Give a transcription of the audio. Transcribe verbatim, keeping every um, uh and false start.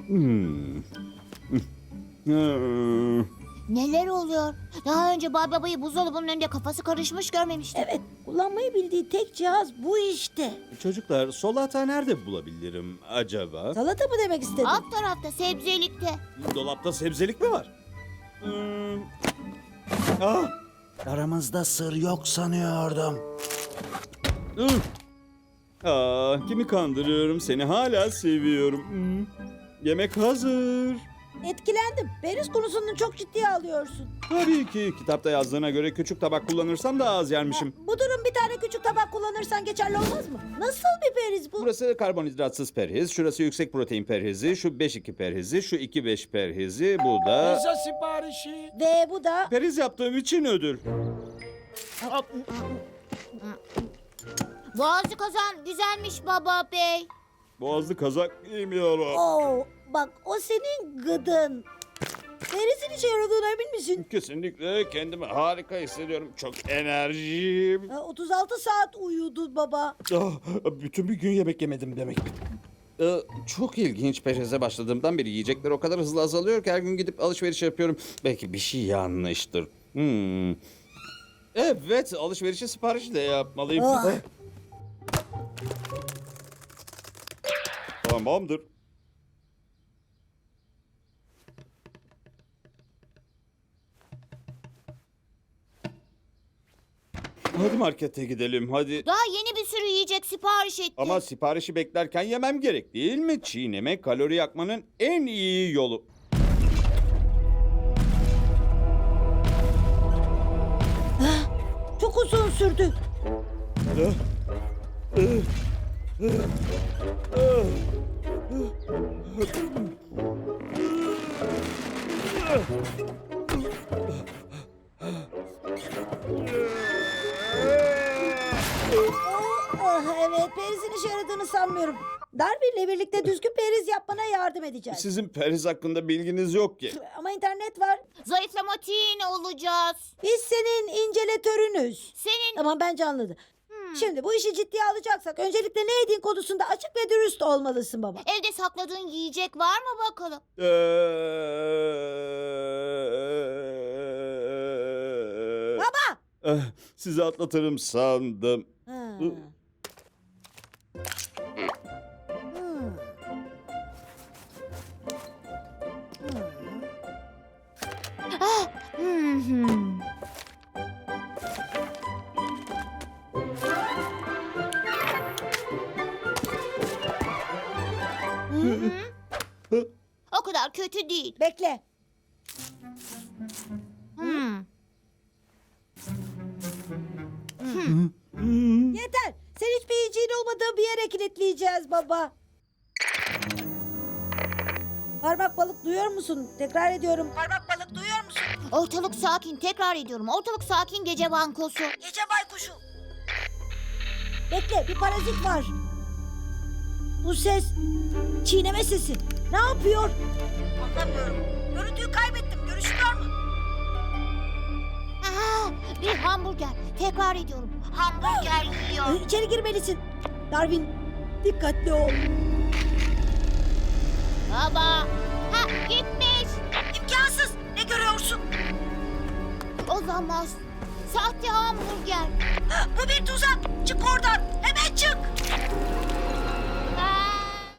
Hmm. Hmm. Neler oluyor? Daha önce Bay Baba'yı buzdolabının önünde kafası karışmış görmemiştim. Evet, kullanmayı bildiği tek cihaz bu işte. Çocuklar, solata nerede bulabilirim acaba? Salata mı demek istedin? Alt tarafta sebzelikte. Dolapta sebzelik mi var? Hmm. Ah! Aramızda sır yok sanıyordum. Ih! Aa, kimi kandırıyorum? Seni hala seviyorum. Hmm. Yemek hazır. Etkilendim. Periz konusunu çok ciddiye alıyorsun. Tabii ki kitapta yazdığına göre küçük tabak kullanırsam daha az yermişim. Ha, bu durum bir tane küçük tabak kullanırsan geçerli olmaz mı? Nasıl bir periz bu? Burası karbonhidratsız perhiz, şurası yüksek protein perhizi, şu beş iki perhizi, şu iki beş perhizi, bu da... Pizza siparişi. Ve bu da... Perhiz yaptığım için ödül. Boğazlı kazan güzelmiş Baba Bey. Boğazlı kazak giymiyorum. Oo, bak o senin gıdın. Perizin işe yaradığına emin misin? Kesinlikle kendimi harika hissediyorum. Çok enerjiyim. Ha, otuz altı saat uyudu baba. Ah, bütün bir gün yemek yemedim demek. Ee, çok ilginç. Perhize başladığımdan beri yiyecekler o kadar hızlı azalıyor ki her gün gidip alışveriş yapıyorum. Belki bir şey yanlıştır. Hmm. Evet, alışverişi siparişi de yapmalıyım. Ah. Tamamdır. Hadi markete gidelim, hadi. Daha yeni bir sürü yiyecek sipariş etti. Ama siparişi beklerken yemem gerek değil mi? Çiğneme kalori yakmanın en iyi yolu. Çok uzun sürdü. Ah, evet, perizin işe yaradığını sanmıyorum. Darby ile birlikte düzgün periz yapmana yardım edeceğiz. Sizin perhiz hakkında bilginiz yok ki. Ama internet var. Zayıflamatin olacağız. Biz senin inceletörünüz. Senin... Tamam, bence anladı. Şimdi bu işi ciddiye alacaksak öncelikle ne yediğin konusunda açık ve dürüst olmalısın baba. Evde sakladığın yiyecek var mı bakalım? Ee, Baba! eh, Sizi atlatırım sandım. Ha. Hı. Hmm. Hmm, hmm. O kadar kötü değil. Bekle. Hmm. Yeter. Sen hiçbir yiyeceğin olmadığı bir yere kilitleyeceğiz baba. Parmak balık duyuyor musun? Tekrar ediyorum. Parmak balık duyuyor musun? Ortalık sakin. Tekrar ediyorum. Ortalık sakin gece bankosu. Gece baykuşu. Bekle, bir parazit var. Bu ses çiğneme sesi. Ne yapıyor? Anlamıyorum. Görüntüyü kaybettim. Görüşüyor mu? Aa, bir hamburger. Tekrar ediyorum. Hamburger yiyor. Ee, İçeri girmelisin. Darwin, dikkatli ol. Baba. Ha, gitmiş. İmkansız. Ne görüyorsun? Olamaz. Sahte hamburger. Bu bir tuzak. Çık oradan. Hemen çık.